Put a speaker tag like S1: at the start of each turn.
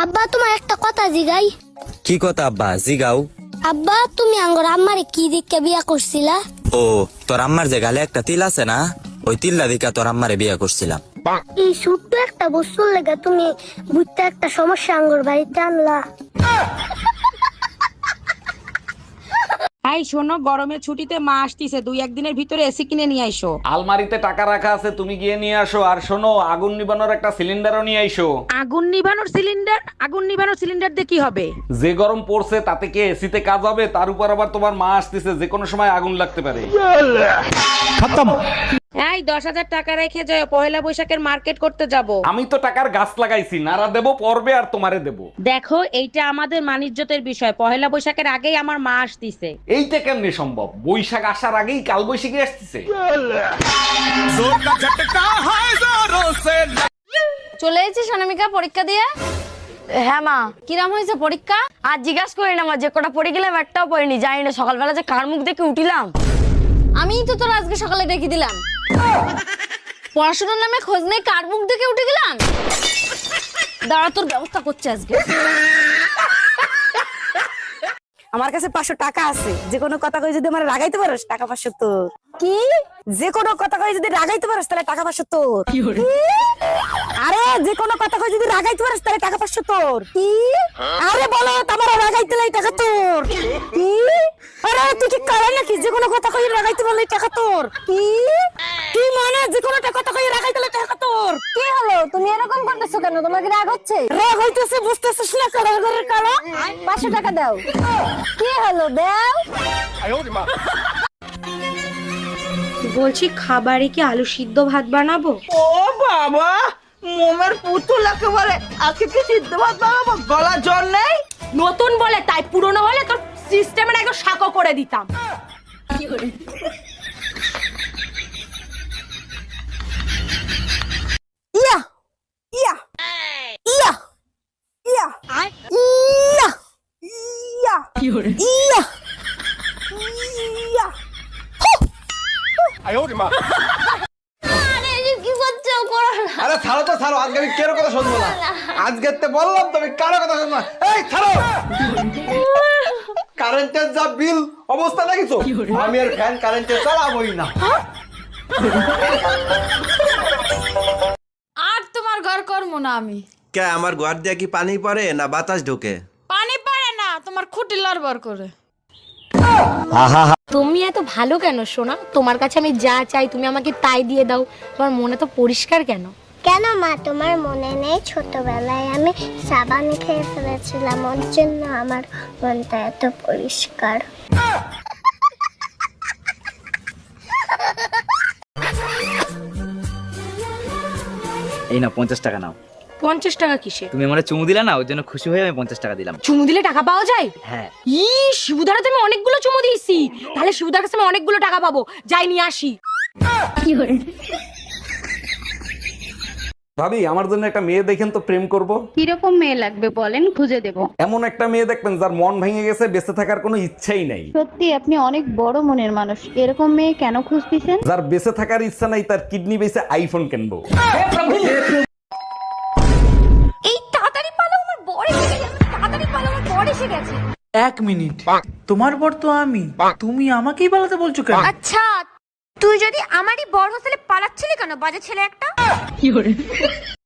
S1: আব্বা তোমার একটা কথা জিগাই।
S2: কি কথা আব্বা? জিগাও।
S1: আব্বা তুমি আঙ্গর আম্মারে কি দিকে বিয়া করছিলা?
S2: ও তোর আম্মার যে গালে একটা তিল আছে না, ওই তিল্লা দিকা তোর আম্মারে বিয়া করছিলাম।
S1: এই ছোট্ট একটা বস্তুর লেগে তুমি বুঝতে একটা সমস্যা আঙ্গর বাড়িতে আনলা।
S3: এই শোনো, গরমের ছুটিতে মা আসতিছে, 2-1 দিনের ভিতরে এসি কিনে নিয়ে আইসো।
S4: আলমারিতে টাকা রাখা আছে, তুমি গিয়ে নিয়ে আসো। আর শোনো, আগুন নিবানোর একটা সিলিন্ডারও নিয়ে আইসো।
S3: আগুন নিভানোর সিলিন্ডার? আগুন নিভানোর সিলিন্ডার দিয়ে কি হবে?
S4: যে গরম পড়ছে তাতে কি এসিতে কাজ হবে? তার উপর আবার তোমার মা আসতেছে, যে কোনো সময় আগুন লাগতে পারে।
S3: এই 10,000 টাকা রেখে যাও, পহেলা বৈশাখের মার্কেট করতে যাব।
S4: আমি তো টাকার গাছ লাগাইছি, নারা দেবো পর্বে আর তোমারে দেবো।
S3: দেখো, এইটা আমাদের মানিজ্যতের বিষয়, পহেলা বৈশাখের আগেই আমার মা আসতিছে।
S4: এইটা কেমনে সম্ভব? বৈশাখ আসার আগেই কাল বৈশাখী আসতেছে।
S5: চলে এসেছিস অনামিকা পরীক্ষা দিয়ে? হ্যাঁ মা। কিরাম হয়েছে পরীক্ষা? আর জিজ্ঞাসা করি না মা, যে কটা পড়ে গেলাম একটাও পড়িনি। জানি না সকালবেলা যে কার মুখ দেখে উঠিলাম। আমিই তো তোর আজকে সকালে ডেকে দিলাম। পড়াশোনার নামে খোঁজ নেই, কার মুখ দেখে উঠে গেলাম। দাঁড়া, তোর ব্যবস্থা করছে আজকে।
S6: আমার কাছে 500 টাকা আছে, যে কোনো কথা কই যদি আমার রাগাইতে পারোস টাকা 500 তোর।
S5: কি?
S6: যে কোনো কথা কই যদি রাগাইতে পারোস তাহলে টাকা 500 তোর। আরে যে কোনো কথা কই যদি রাগাইতে পারোস তাহলে টাকা 500 তোর। কি? আরে বলো, তোমার রাগাইতে লাই টাকা তোর। কি? আরে তুই কি কালা নাকি? যে কোনো কথা কই রাগাইতে পারলে টাকা তোর। কি? কি মানে যে কোনো কথা কই রাগাইতে লাই টাকা তোর?
S5: কি হলো? তুমি এরকম করতেছো কেন? তোমার কি রাগ হচ্ছে?
S6: রাগ হইতেছে, বুঝতেছিস না? কালার ঘরের কালা।
S5: 500 টাকা দাও। কি হলো? দাও।
S7: বলছি, খাবারে কি আলু সিদ্ধ ভাত বানাবো?
S8: ও বাবা, মোমের পুতুল একেবারে। আজকে কি সিদ্ধ ভাত বানাবো? গলা জ্বর নেই?
S7: নতুন বলে তাই, পুরনো হলে তোর সিস্টেমের একদম শাকো করে দিতাম।
S6: ইয়া ইয়া ইয়া ইয়া ইয়া ইয়া ইয়া ইয়া।
S5: কি করছো? করো না।
S9: আরে ছাড়ো তো ছাড়ো, আজকে আমি কেন কথা শুনবো না। আজকে তো বললাম তুমি কারো কথা শুনবো না। এই ছাড়ো, কারেন্টের যা বিল অবস্থা দেখিছো, আমি আর ফ্যান কারেন্টে চালাবোই না।
S5: আর তোমার ঘর করবো না আমি।
S10: কে আমার ঘর দিয়ে কি পানি পড়ে না বাতাস ঢোকে?
S5: পানি পড়ে না, তোমার খুঁটি লড়বড় করে। তুমি এত ভালো কেন সোনা? তোমার কাছে আমি যা চাই তুমি আমাকে তাই দিয়ে দাও। তোমার মনে তো পরিষ্কার কেন?
S1: কেন মা তোমার মনে নেই ছোটবেলায় আমি সাবান খেয়ে ফেলেছিলাম, ওর জন্য আমার মনটা এত পরিষ্কার।
S2: এই না 50 টাকা নাও।
S7: 50 টাকা কিসে?
S2: তুমি আমারে চুমু দিলা না, ওর জন্য খুশি হয়ে আমি 50 টাকা দিলাম।
S7: চুমু দিলে টাকা পাওয়া যায়?
S2: হ্যাঁ।
S7: শিবুদার তো আমি অনেকগুলো চুমু দিয়েছি, তাহলে শিবুদার কাছে আমি অনেকগুলো টাকা পাবো। যাই নিয়ে আসি।
S4: ভাবি, আমার জন্য একটা মেয়ে দেখেন তো, প্রেম করব।
S11: কিরকম মেয়ে লাগবে বলেন, খুঁজে দেব।
S4: এমন একটা মেয়ে দেখবেন যার মন ভেঙে গেছে, বেঁচে থাকার কোনো ইচ্ছাই নাই।
S11: সত্যি আপনি অনেক বড় মনের মানুষ। এরকম মেয়ে কেন খুঁজতেছেন?
S4: যার বেঁচে থাকার ইচ্ছা নাই, তার কিডনি বেঁচে আইফোন কিনবো।
S5: এই তাড়াতাড়ি পালো, আমার বড় এসে গেছে। তাড়াতাড়ি পালো, আমার বড় এসে গেছে।
S8: 1 মিনিট, তোমার বর তো আমি, তুমি আমাকেই পালাতে বলছো কেন?
S5: আচ্ছা, তুই যদি আমারই বড় হোস্টেলে পালাচ্ছিলি কেন, বাজে ছেলে একটা?